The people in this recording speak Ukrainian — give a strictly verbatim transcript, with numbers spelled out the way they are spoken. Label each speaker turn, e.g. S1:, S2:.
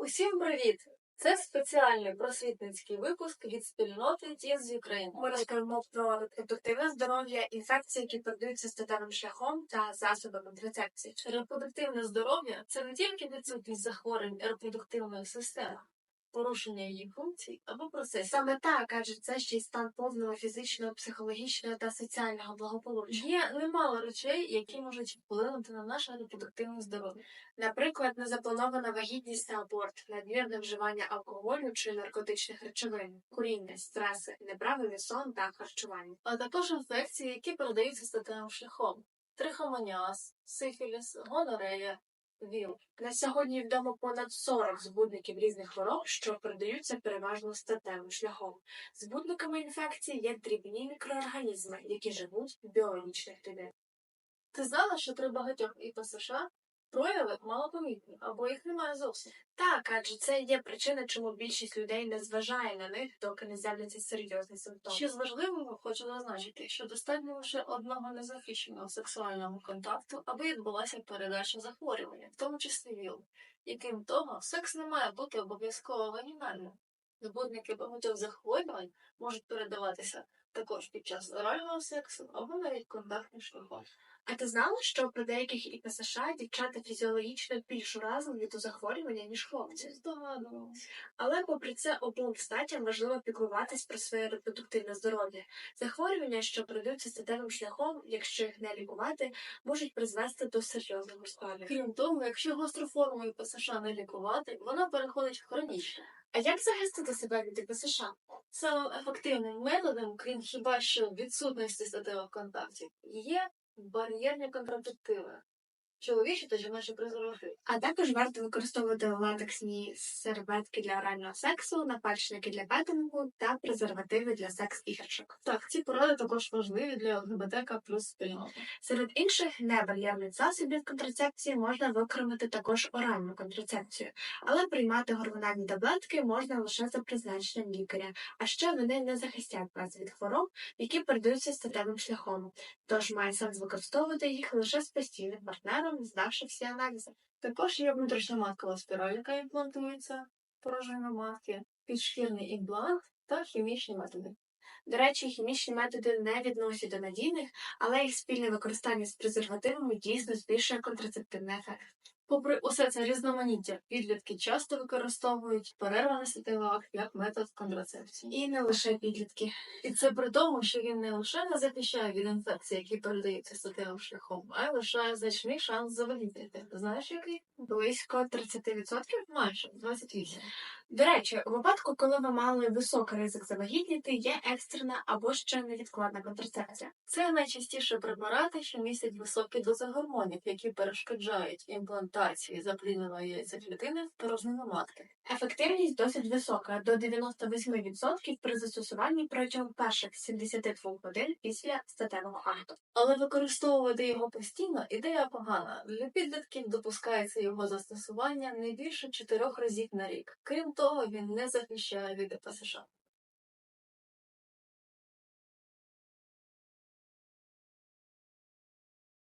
S1: Усім привіт! Це спеціальний просвітницький випуск від спільноти Teens Ukraine.
S2: Ми розповімо про репродуктивне здоров'я, інфекції, які передаються статевим шляхом та засобами контрацепції.
S1: Репродуктивне здоров'я – це не тільки відсутність захворювань репродуктивної системи, порушення її функцій або процесів.
S2: Саме так, адже це ще й стан повного фізичного, психологічного та соціального благополуччя.
S1: Є немало речей, які можуть вплинути на наше репродуктивне здоров'я.
S2: Наприклад, незапланована вагітність та аборт, надмірне вживання алкоголю чи наркотичних речовин, куріння, стреси, неправильний сон та харчування.
S1: А також інфекції, які передаються статевим шляхом. Трихомоніаз, сифіліс, гонорея, ВІЛ.
S2: На сьогодні відомо понад сорок збудників різних хвороб, що передаються переважно статевим шляхом. Збудниками інфекції є дрібні мікроорганізми, які живуть в біологічних клітинах.
S1: Ти знала, що при багатьох ІПСШ прояви малопомітні, або їх немає зовсім?
S2: Так, адже це є причина, чому більшість людей не зважає на них, доки не з'являться серйозні симптоми.
S1: Ще з важливого хочу зазначити, що достатньо лише одного незахищеного сексуального контакту, аби відбулася передача захворювання, в тому числі ВІЛ. І крім того, секс не має бути обов'язково вагінальним. Збудники багатьох захворювань можуть передаватися також під час орального сексу або навіть контактним шляхом.
S2: А ти знала, що при деяких ІПСШ дівчата фізіологічно більш уразливі до захворювання, ніж хлопці?
S1: Здогадувалась.
S2: Але попри це обом статям важливо піклуватись про своє репродуктивне здоров'я. Захворювання, що передаються статевим шляхом, якщо їх не лікувати, можуть призвести до серйозного ускладнення.
S1: Крім того, якщо гостру форму ІПСШ не лікувати, вона переходить в хронічну.
S2: А як захистити себе від ІПСШ?
S1: Самим ефективним методом, крім хіба що відсутності статевих контактів, є бар'єрні контрацептиви, чоловічі та жіночі презервативи.
S2: А також варто використовувати латексні серветки для орального сексу, напальчники для петингу та презервативи для секс-іграшок.
S1: Так, ці поради також важливі для ЛГБТК плюс спільноти.
S2: Серед інших небар'єрних засобів контрацепції можна використати також оральну контрацепцію, але приймати гормональні таблетки можна лише за призначенням лікаря, а ще вони не захистять вас від хвороб, які передаються статевим шляхом, тож має сенс використовувати їх лише з постійним партнером, здавши всі аналізи.
S1: Також є внутрішньоматкова спіраль, яка імплантується порожнину матки, підшкірний імплант та хімічні методи.
S2: До речі, хімічні методи не відносять до надійних, але їх спільне використання з презервативами дійсно збільшує контрацептивний ефект.
S1: Попри усе це різноманіття, підлітки часто використовують перерваний статевий акт як метод контрацепції.
S2: І не лише підлітки.
S1: І це при тому, що він не лише не захищає від інфекцій, які передаються статевим шляхом, а й лишає значний шанс завагітніти. Знаєш, який?
S2: Близько тридцять відсотків?
S1: Майже двадцять вісім.
S2: До речі, у випадку, коли ви мали високий ризик завагітніти, є екстрена або ще невідкладна контрацепція.
S1: Це найчастіше препарати, що містять високі дози гормонів, які перешкоджають імплантації заплідненої яйцеклітини в порожнину матки.
S2: Ефективність досить висока – до дев'яносто вісім відсотків при застосуванні протягом перших сімдесят двох годин після статевого акту.
S1: Але використовувати його постійно – ідея погана. Для підлітків допускається його застосування не більше чотирьох разів на рік. Крім того, він не захищає від ІПСШ.